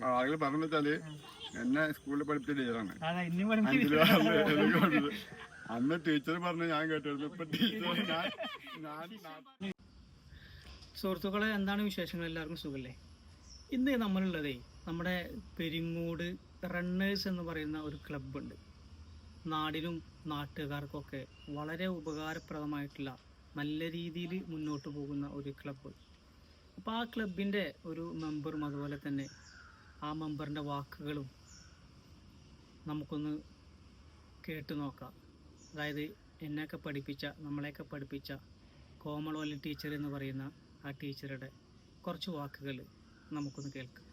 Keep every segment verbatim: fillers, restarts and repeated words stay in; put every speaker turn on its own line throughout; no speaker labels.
ആളുകൾ പറഞ്ഞു വെച്ചാല് എന്നെ സ്കൂളിൽ പഠിപ്പിച്ച ടീച്ചറാണ്. അന്ന് ടീച്ചർ പറഞ്ഞു ഞാൻ കേട്ടിരുന്നു. ഇപ്പൊ ടീച്ചർ ഞാൻ
സുഹൃത്തുക്കളെ, എന്താണ് വിശേഷങ്ങൾ? എല്ലാവർക്കും സുഖല്ലേ? ഇന്ന് നമ്മളുള്ളതേ നമ്മുടെ പെരിങ്ങോട് റണ്ണേഴ്സ് എന്ന് പറയുന്ന ഒരു ക്ലബ്ബുണ്ട്. നാടിനും നാട്ടുകാർക്കൊക്കെ വളരെ ഉപകാരപ്രദമായിട്ടുള്ള നല്ല രീതിയിൽ മുന്നോട്ട് പോകുന്ന ഒരു ക്ലബ്ബ്. അപ്പോൾ ആ ക്ലബിൻ്റെ ഒരു മെമ്പറും അതുപോലെ തന്നെ ആ മെമ്പറിൻ്റെ വാക്കുകളും നമുക്കൊന്ന് കേട്ടു നോക്കാം. അതായത് എന്നെയൊക്കെ പഠിപ്പിച്ച നമ്മളെയൊക്കെ പഠിപ്പിച്ച കോമളവല്ലി ടീച്ചർ എന്ന് പറയുന്ന ആ ടീച്ചറുടെ കുറച്ച് വാക്കുകൾ നമുക്കൊന്ന് കേൾക്കാം.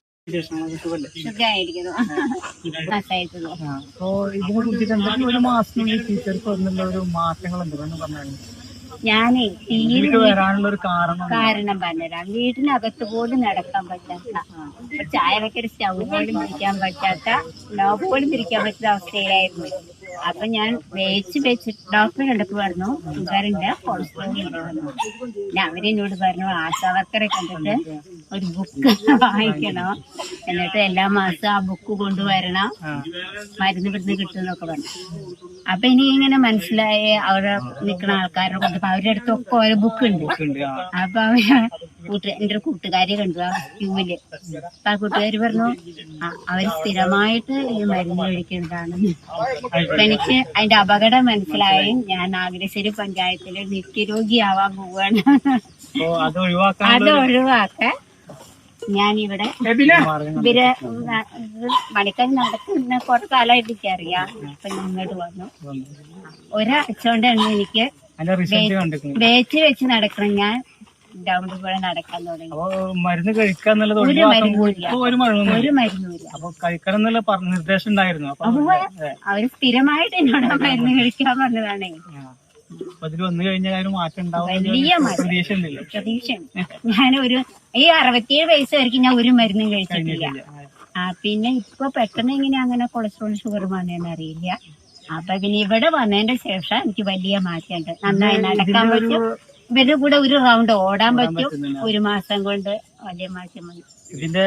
ഒരു മാസം ടീച്ചർക്ക് വന്നുള്ള ഒരു മാറ്റങ്ങൾ എന്തെന്ന് പറഞ്ഞാൽ
ഞാനേ
വരാനുള്ള ഒരു കാരണം
കാരണം പറഞ്ഞുതരാം. വീട്ടിനകത്ത് പോലും നടക്കാൻ പറ്റാത്ത, ചായ വെക്കൊരു സ്റ്റൗ പോലും പിരിക്കാൻ പറ്റാത്ത, ലോക്ക് പോലും പിരിക്കാൻ പറ്റുന്ന അവസ്ഥയിലായിരുന്നു. അപ്പൊ ഞാൻ വേച്ച് വെച്ച് ഡോക്ടറെ കണ്ടപ്പോൾ പറഞ്ഞു ഷുഗറിന്റെ കൊളസ്ട്രോൾ ഉണ്ട് പറഞ്ഞു. പിന്നെ അവരെന്നോട് പറഞ്ഞു ആശാവർക്കറെ കണ്ടിട്ട് ഒരു ബുക്ക് വാങ്ങിക്കണം, എന്നിട്ട് എല്ലാ മാസവും ആ ബുക്ക് കൊണ്ടുവരണം, മരുന്ന് ഇവിടുന്ന് കിട്ടുമെന്നൊക്കെ പറഞ്ഞു. അപ്പൊ എനിക്ക് ഇങ്ങനെ മനസ്സിലായി അവിടെ നിൽക്കുന്ന ആൾക്കാരെ കൊണ്ട് അവരുടെ അടുത്തൊക്കെ ഓരോ ബുക്ക് ഉണ്ട്. അപ്പൊ അവര് കൂട്ട് എന്റെ ഒരു കൂട്ടുകാരി കണ്ടു ആ ക്യൂവില്. അപ്പൊ ആ കൂട്ടുകാരി പറഞ്ഞു അവര് സ്ഥിരമായിട്ട് ഈ മരുന്ന് കഴിക്കുന്നതാണ്. അപ്പൊ എനിക്ക് അതിന്റെ അപകടം മനസ്സിലായി. ഞാൻ നാഗരശ്ശേരി പഞ്ചായത്തില് നിത്യരോഗിയാവാൻ പോവാണ്.
അത് ഒഴിവാക്കാൻ
അത് ഒഴിവാക്കാൻ ഞാനിവിടെ ഇവര് മണിക്കൽ നടക്കുന്ന കുറച്ച് കാലമായിട്ട് എനിക്ക് അറിയാം. അപ്പൊ ഇങ്ങോട്ട് വന്നു. ഒരാഴ്ച കൊണ്ടാണ് എനിക്ക് വേച്ച് വെച്ച് നടക്കണം. ഞാൻ ഗ്രൗണ്ടിൽ കൂടെ നടക്കാൻ തുടങ്ങി.
മരുന്ന് കഴിക്കാന്നുള്ളത്
ഒരു മരുന്നില്ല, ഒരു മരുന്നില്ല.
അപ്പൊ കഴിക്കണം എന്നുള്ള നിർദ്ദേശം ഉണ്ടായിരുന്നു.
അപ്പൊ അവര് സ്ഥിരമായിട്ട് എന്നോട് മരുന്ന് കഴിക്കാൻ പറഞ്ഞതാണ്.
അതിൽ വന്നു കഴിഞ്ഞാൽ മാറ്റം ഉണ്ടാവും.
വലിയ പ്രതീക്ഷ ഞാനൊരു ഈ അറുപത്തിയേഴ് വയസ്സ് വരെയും ഞാൻ ഒരു മരുന്നും കഴിച്ചിട്ടില്ല. ആ പിന്നെ ഇപ്പൊ പെട്ടെന്ന് എങ്ങനെ അങ്ങനെ കൊളസ്ട്രോൾ ഷുഗർ വന്നതെന്ന് അറിയില്ല. അപ്പൊ പിന്നെ ഇവിടെ വന്നതിന്റെ ശേഷം എനിക്ക് വലിയ മാറ്റമുണ്ട്. നന്നായി നടക്കാൻ പറ്റും, ഇവരുടെ കൂടെ ഒരു റൗണ്ട് ഓടാൻ പറ്റും. ഒരു മാസം കൊണ്ട് വലിയ മാറ്റം വന്നു.
ഇതിന്റെ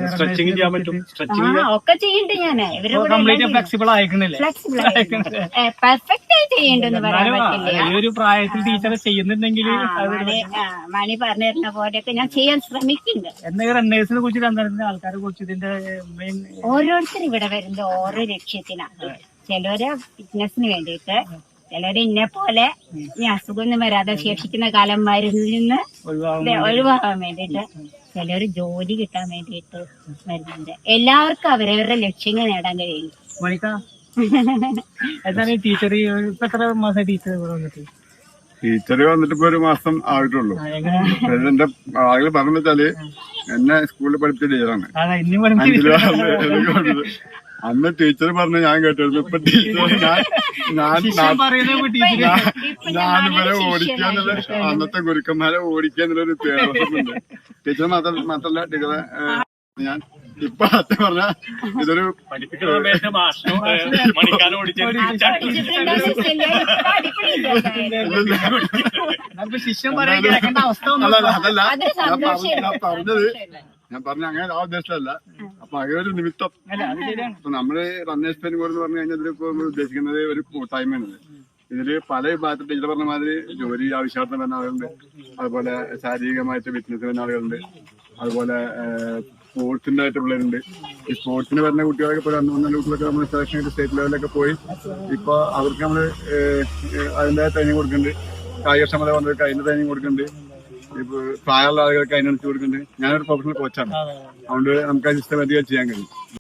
ഒക്കെ ചെയ്യണ്ട് ഞാന് ഇവരുടെ കൂടെ
ഫ്ലെക്സിബിൾ ആയിക്കണില്ലേ?
പെർഫെക്റ്റ് ആയി ചെയ്യണ്ടെന്ന് പറയാൻ പറ്റില്ല.
ഈ ഒരു പ്രായത്തിൽ ടീച്ചർ ചെയ്യുന്നുണ്ടെങ്കിൽ
മണി പറഞ്ഞു തരുന്ന പോലെയൊക്കെ ഞാൻ ചെയ്യാൻ ശ്രമിക്കുന്നുണ്ട്.
എന്നാ റണ്ണേഴ്സിനെ കുറിച്ച് എന്താ ആൾക്കാരെ കുറിച്ച് ഇതിന്റെ മെയിൻ
ഓരോരുത്തർ ഇവിടെ വരുന്നത് ഓരോ ലക്ഷ്യത്തിനാണ്. ചിലര് ഫിറ്റ്നസിന് വേണ്ടിയിട്ട്, ചിലര് ഇന്നെ പോലെ ഈ അസുഖമൊന്നും വരാതെ ശേഷിക്കുന്ന കാലം മരുന്നിൽ നിന്ന് ഒഴിവാക്കാൻ വേണ്ടിയിട്ട്, ചിലര് ജോലി കിട്ടാൻ വേണ്ടിയിട്ട് വരുന്നുണ്ട്. എല്ലാവർക്കും അവരവരുടെ ലക്ഷ്യങ്ങൾ നേടാൻ കഴിയും.
ടീച്ചർ എത്ര മാസം ടീച്ചർ വന്നിട്ട്
ടീച്ചറ് വന്നിട്ട് ഇപ്പൊ ഒരു മാസം ആയിട്ടുള്ളൂ. എന്റെ ആളുകൾ പറഞ്ഞു വെച്ചാല് എന്നെ സ്കൂളിൽ പഠിപ്പിച്ച ടീച്ചറാണ്. അന്ന് ടീച്ചർ പറഞ്ഞു ഞാൻ കേട്ടിരുന്നു. ഇപ്പൊ ടീച്ചർ ഞാൻ ഞാനിവരെ ഓടിക്കുക എന്നുള്ള അന്നത്തെ ഗുരുക്കന്മാരെ ഓടിക്കുക എന്നുള്ളൊരു പേരുണ്ട്. ടീച്ചർ മാത്രം മാത്രല്ല ടീച്ചറെ ഞാൻ ഇപ്പൊ സത്യം പറഞ്ഞ ഇതൊരു അതല്ല ഞാൻ പറഞ്ഞത്. ഞാൻ പറഞ്ഞ അങ്ങനെ ആ ഉദ്ദേശമല്ല. അപ്പൊ അങ്ങനെ ഒരു നിമിത്തം ഇപ്പൊ നമ്മള് റണ്ണേഴ്സ് പെരിങ്ങോട് എന്ന് പറഞ്ഞു കഴിഞ്ഞാൽ ഇതിലിപ്പോ നമ്മൾ ഉദ്ദേശിക്കുന്നത് ഒരു കൂട്ടായ്മയാണ്. ഇതില് പല വിഭാഗത്തിൽ ടീച്ചർ പറഞ്ഞ മാതിരി ജോലി ആവശ്യാർത്ഥം വരുന്ന ആളുകളുണ്ട്, അതുപോലെ ശാരീരികമായിട്ട് ഫിറ്റ്നസ് വരുന്ന ആളുകളുണ്ട്, അതുപോലെ സ്പോർട്സിന്റെ ആയിട്ട് പിള്ളേരുണ്ട്. ഈ സ്പോർട്സിന് വരുന്ന കുട്ടികളൊക്കെ ഇപ്പോൾ രണ്ട് മൂന്നാല് കുട്ടികളൊക്കെ നമ്മൾ സെലക്ഷൻ ആയിട്ട് സ്റ്റേറ്റ് ലെവലിലൊക്കെ പോയി ഇപ്പൊ അവർക്ക് നമ്മള് അതിന്റെ ട്രെയിനിങ് കൊടുക്കുന്നുണ്ട്. കായികക്ഷമത വന്നവർക്ക് അതിന്റെ ട്രെയിനിങ് കൊടുക്കുന്നുണ്ട്. ഇപ്പൊ പ്രായമുള്ള ആളുകൾക്ക് അതിനനുസരിച്ച് കൊടുക്കുന്നുണ്ട്. ഞാനൊരു പ്രൊഫഷണൽ കോച്ചാണ്, അതുകൊണ്ട് നമുക്ക് അത് സിസ്റ്റമാറ്റിക്കായി ചെയ്യാൻ കഴിയും.